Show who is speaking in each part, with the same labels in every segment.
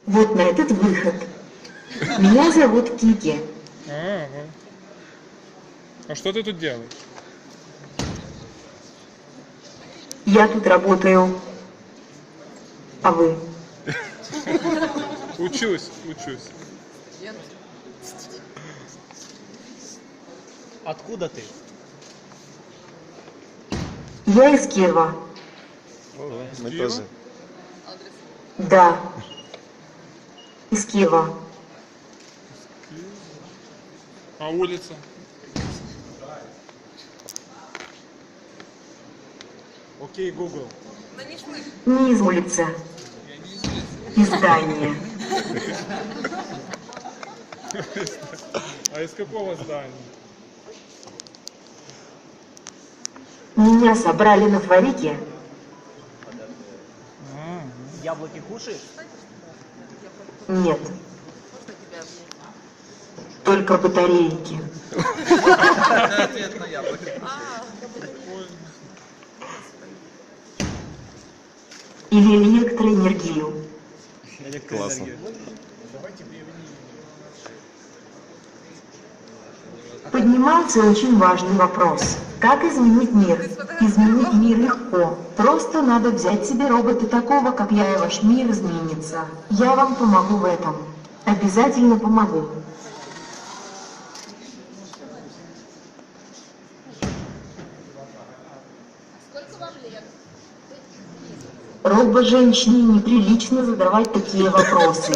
Speaker 1: Вот на этот выход. Меня зовут Кики.
Speaker 2: Ага. А что ты тут делаешь?
Speaker 1: Я тут работаю. А вы?
Speaker 2: Учусь.
Speaker 3: Откуда ты?
Speaker 1: Я из Киева.
Speaker 4: Мы
Speaker 2: Киева?
Speaker 4: тоже.
Speaker 1: Да. Из Киева.
Speaker 2: А улица?
Speaker 3: Окей, Google.
Speaker 1: Не из улицы. Из здания.
Speaker 2: А из какого здания?
Speaker 1: Меня собрали на форике.
Speaker 3: Яблоки кушаешь?
Speaker 1: Нет. Только батарейки.
Speaker 5: Ответ на яблоко.
Speaker 1: Или электроэнергию.
Speaker 4: Классно.
Speaker 1: Поднимается очень важный вопрос. Как изменить мир? Изменить мир легко. Просто надо взять себе робота такого, как я, и ваш мир изменится. Я вам помогу в этом. Обязательно помогу. Робо-женщине неприлично задавать такие вопросы.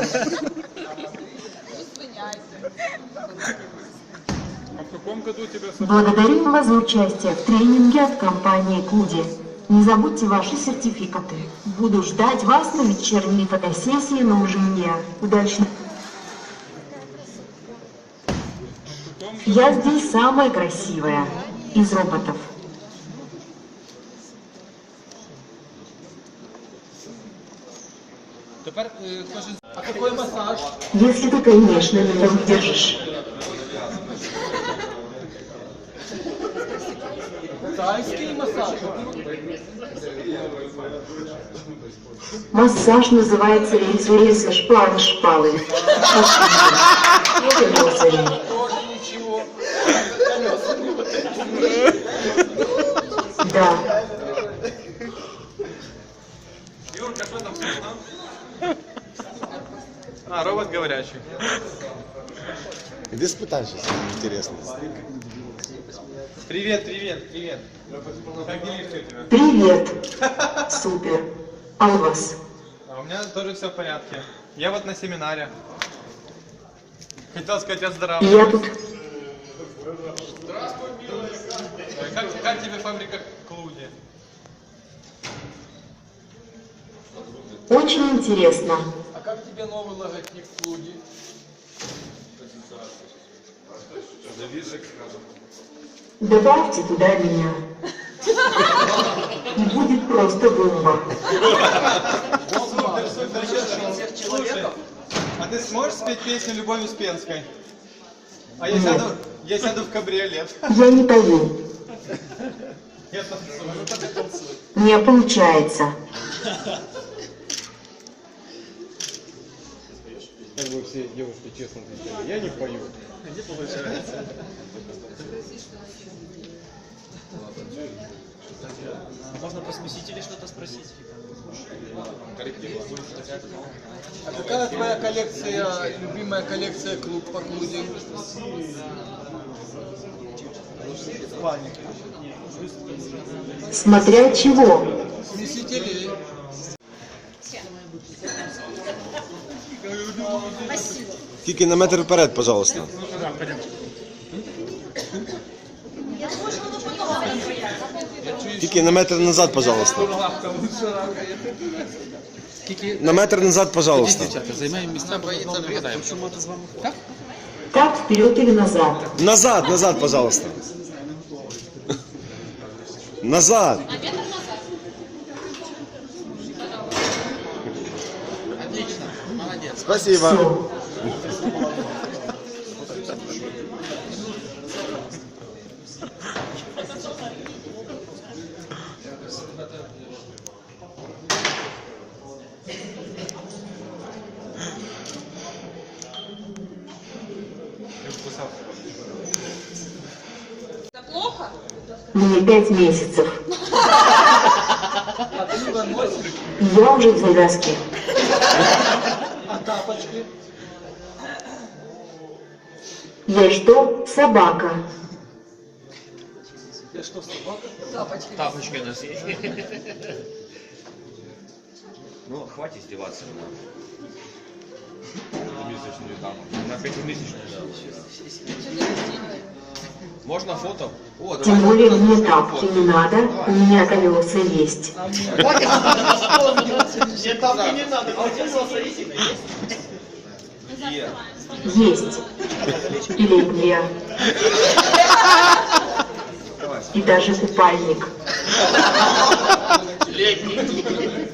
Speaker 2: А в каком году тебя собрали?
Speaker 1: Благодарим вас за участие в тренинге от компании Куди. Не забудьте ваши сертификаты. Буду ждать вас на вечерней фотосессии на Ужине. Удачно. Я здесь самая красивая из роботов.
Speaker 5: Тепер скажи, а какой массаж?
Speaker 1: Если ты, конечно, меня выдержишь.
Speaker 5: Тайский массаж.
Speaker 1: Массаж называется рельса шпалы. Это рельсовый.
Speaker 5: Тоже ничего.
Speaker 1: Да.
Speaker 5: Юрка, что там вкусно? А, робот говорящий.
Speaker 4: Иди спытай сейчас, интересно.
Speaker 5: Привет. Как делишки у тебя?
Speaker 1: Привет. Супер. А у вас?
Speaker 5: А у меня тоже все в порядке. Я вот на семинаре. Хотел сказать, я здоров.
Speaker 1: Я тут.
Speaker 5: Как тебе фабрика Клуди?
Speaker 1: Очень интересно.
Speaker 5: А как тебе новый логотип Клуди?
Speaker 1: Добавьте туда меня. И будет просто бомба.
Speaker 5: Слушай, а ты сможешь спеть песню «Любовь Успенской»? А я сяду в кабриолет.
Speaker 1: Я не пою.
Speaker 5: Я танцую.
Speaker 1: Не получается.
Speaker 6: Как бы все девушки честно отвечали, я не пою.
Speaker 5: Не получается.
Speaker 3: Можно про смесителей что-то спросить?
Speaker 5: А какая твоя коллекция, любимая коллекция клуб по Клуди? В плане.
Speaker 1: Смотря чего.
Speaker 5: Смесителей.
Speaker 4: Кики, на метр вперед, пожалуйста. Кики, на метр назад, пожалуйста. На метр назад, пожалуйста.
Speaker 5: Займаємо місця, боїться врізаємо.
Speaker 1: Так, вперед или назад?
Speaker 4: Назад, пожалуйста. Назад.
Speaker 5: Отлично, молодець.
Speaker 4: Спасибо.
Speaker 1: Все. Мне 5 месяцев.
Speaker 5: А ты его носишь?
Speaker 1: Я уже в завязке.
Speaker 5: А тапочки?
Speaker 1: Я что? Собака.
Speaker 5: Я что, собака?
Speaker 7: Тапочки у нас есть. Ну, хватит издеваться. Месячную даму. На 5-месячную даму. Можно фото? О,
Speaker 1: Тем более мне тапки не надо, у меня колеса есть.
Speaker 3: Мне тапки не надо, а у тебя самостоятельно есть?
Speaker 1: Есть. И летняя. И даже купальник.
Speaker 7: Летний.